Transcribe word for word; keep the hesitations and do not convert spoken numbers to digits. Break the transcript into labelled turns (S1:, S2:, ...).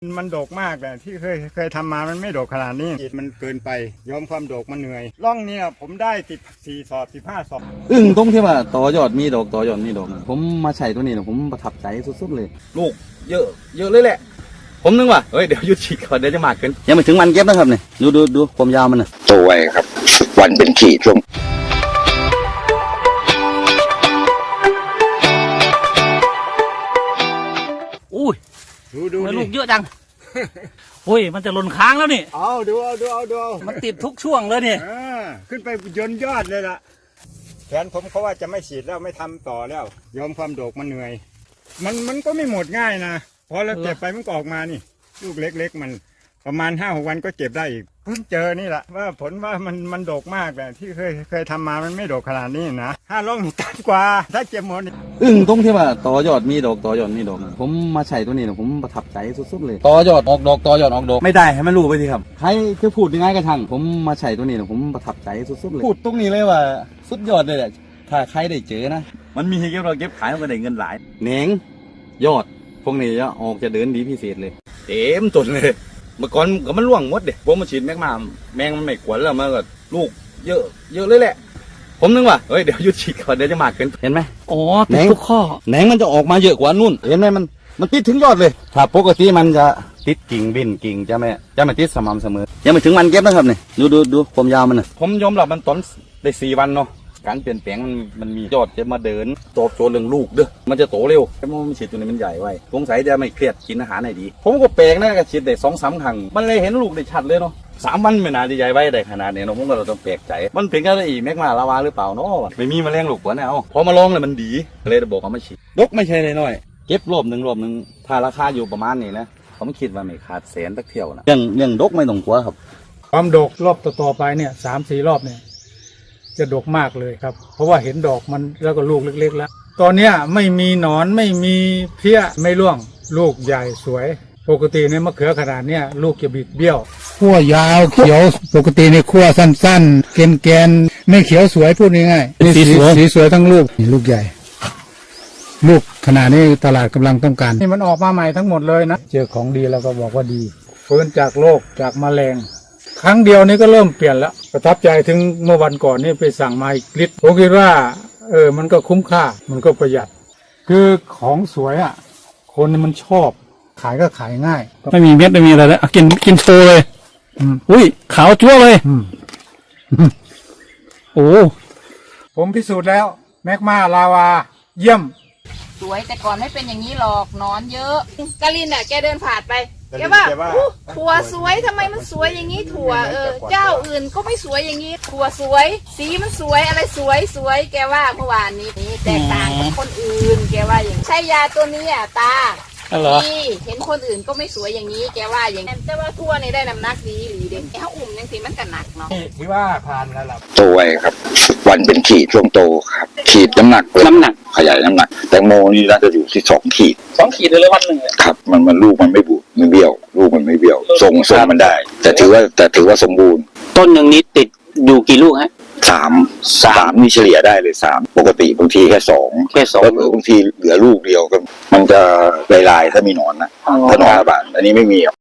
S1: มันโดกมากแต่ที่เคยเคยทำมามันไม่โดกขนาดนี้มันเกินไปยอมความโดกมันเหนื่อยร่องเนี่ยผมได้สิบสี่สอบสิบห้าสอบ
S2: อึ้งตรงที่ว่าต่อยอดมีดอกต่อยอดมีดอกผมมาใช้ตัวนี้นะผมประทับใจสุดๆเลยลูกเยอะเยอะเลยแหละผมนึกว่าเฮ้ยเดี๋ยวหยุดฉีดก่อนเดี๋ยวจะมากเกินยังไม่ถึงวันเก็บนะครับเนี่ยดูดูดูความยาวมันนะ
S3: โตไวครับวันเป็นขีดช่วง
S4: อุ้ย
S1: ดูดู
S4: ลูกเยอะจังโอ้ยมันจะหล่นค้างแล้วนี่
S1: เอาดูเอาดูเอาดู
S4: มันติดทุกช่วงเลยนี่
S1: ขึ้นไปยนยอดเลยล่ะแทนผมเขาว่าจะไม่ฉีดแล้วไม่ทำต่อแล้วยอมความโดกมันเหนื่อยมันมันก็ไม่หมดง่ายนะพอเราเก็บไปมันก็ออกมานี่ลูกเล็กๆมันประมาณห้าหกวันก็เก็บได้อีกเพิ่งเจอนี่แหละว่าผลว่ามันมันโดกมากแต่ที่เคยเคยทำมามันไม่โดกขนาดนี้นะห้าร่องกันกว่าถ้าเก็บหมด
S2: อึ้งตรงที่ว่าต่อยอดมีดอกต่อยอดมีดอกผมมาใช้ตัวนี้นะผมประทับใจสุดๆเลยต่อยอดออกดอกต่อยอดออกดอกไม่ได้ให้มันรู้ไปทีครับใครจะพูดยังไงก็ช่างผมมาใช้ตัวนี้นะผมประทับใจสุดๆเลยพูดตรงนี้เลยว่าสุดยอดเลยแหละถ้าใครได้เจอนะมันมีให้เก็บเราเก็บขายมันก็ได้เงินหลายเหน่งยอดพวกนี้จะออกจะเดินดีพิเศษเลยเต็มจนเลยเมื่อก่อนก็มันร่วงหมดเด็กผมมาฉีดแมกมาแมงมันไม่ขวนแล้วมันก็ลูกเยอะเยอะเลยแหละผมนึกว่าเฮ้ยเดี๋ยวหยุดฉีดก่อนเดี๋ยวจะมากเกินเห็นไหม
S4: อ๋อติดทุกข้อ
S2: แหนงมันจะออกมาเยอะกว่านู่นเห็นไหมมันมันติดถึงยอดเลยถ้าปกติมันจะติดกิ่งบินกิ่งจะไม่จะไม่ติดสม่ำเสมอยังไม่ถึงวันเก็บนะครับเนี่ยดูดูดูความยาวมันนะผมยอมรับมันต้นได้สี่วันเนาะการเปลี่ยนแปลงมันมันมียอดจะมาเดินโตโจเรื่องลูกเด้อมันจะโตเร็วแต่มันฉีดตัวนี้มันใหญ่ไว้สงสัยจะไม่เครียดกินอาหารไหนดีผมก็แปลกนะก็ฉีดได้สองสามครั้งมันเลยเห็นลูกได้ชัดเลยเนาะสามวันไม่นานจะใหญ่ไว้ได้ขนาดนี้เนาะผมก็เราต้องแปลกใจมันเป็นกันอีแมกมาลาวาหรือเปล่าเนาะไม่มีแมลงลูกหัวแนวพอมาลองเลยมันดีเลยจะบอกเอามาฉีดดกไม่ใช่น้อยเก็บรอบหนึ่งรอบหนึ่งถ้าราคาอยู่ประมาณนี้นะผมคิดว่าไม่ขาดแสนสักเที่ยวนะยังยังดกไม่ต้องกลัวครับ
S5: ความดกรอบต่อๆไปเนี่ยสามสี่รอบเนี่ยจะดกมากเลยครับเพราะว่าเห็นดอกมันแล้วก็ลูกเล็กๆแล้วตอนเนี้ยไม่มีหนอนไม่มีเพี้ยไม่ร่วงลูกใหญ่สวยปกติในมะเขือขนาดเนี้ยลูกจะบิดเบี้ยวขั้วยาวเขียวปกติในขั้วสั้นๆแกนๆไม่เขียวสวยพูดง่ายๆสีสวยสีสวยทั้งลูกลูกใหญ่ลูกขนาดนี้ตลาดกำลังต้องการนี่มันออกมาใหม่ทั้งหมดเลยนะเจอของดีแล้วก็บอกว่าดีฟื้นจากโรคจากแมลงครั้งเดียวนี้ก็เริ่มเปลี่ยนแล้วประทับใจถึงเมื่อวันก่อนนี่ไปสั่งมาอีกลิตรผมคิดว่าเออมันก็คุ้มค่ามันก็ประหยัดคือของสวยอ่ะคนมันชอบขายก็ขายง่าย
S4: ไม่มีเม็ดไม่มีอะไรแล้วกินกินโชว์เลยอุ้ยขาวจั่วเลยโอ้
S5: ผมพิสูจน์แล้วแมกมาลาวาเยี่ยม
S6: สวยแต่ก่อนไม่เป็นอย่างนี้หรอกนอนเยอะกาลินอ่ะแกเดินผ่านไปแกว่าถั่วสวยทำไมมันสวยอย่างนี้ถั่วเออเจ้าอื่นก็ไม่สวยอย่างนี้ถั่วสวยสีมันสวยอะไรสวยสวยแกว่าเมื่อวานนี้นี่แตกต่างกับคนอื่นแกว่าอย่างใช่ยาตัวนี้อ่ะตานี่เห็นคนอื่นก็ไม่สวยอย่างนี้แกว่าอย่างนั้นแต่ว่าทั่วนี่ได้น้ำหนักดีหรือเด็กเขาอุ่มยังสีมันก็หนักเนาะ
S5: ที่ว่าผ่านแล้วล่ะ
S3: โตไวครับวันเป็นขีดช่วงโตครับขีดน้ำหนักน้ำหนักขยายน้ำหนักแตงโมนี่น่าจะอยู่ที่สองขีด
S4: สองขีดเลยวันหนึ่ง
S3: ครับมันมันลูกมันไม่บุไม่เบี้ยวลูกมันไม่เบี้ยวทรงทรงมันได้ แต่ถือว่าแต่ถือว่าสมบูรณ์
S4: ต้นหนึ่งนี้ติดอยู่กี่ลูกฮะ
S3: สามสามนี่เฉลี่ยได้เลยสามปกติบางทีแค่สอง
S4: แค่สอง
S3: แล้วบางทีเหลือลูกเดียวก็มันจะลายๆถ้ามีหนอนนะถ้าหนอนระบาดอันนี้ไม่มี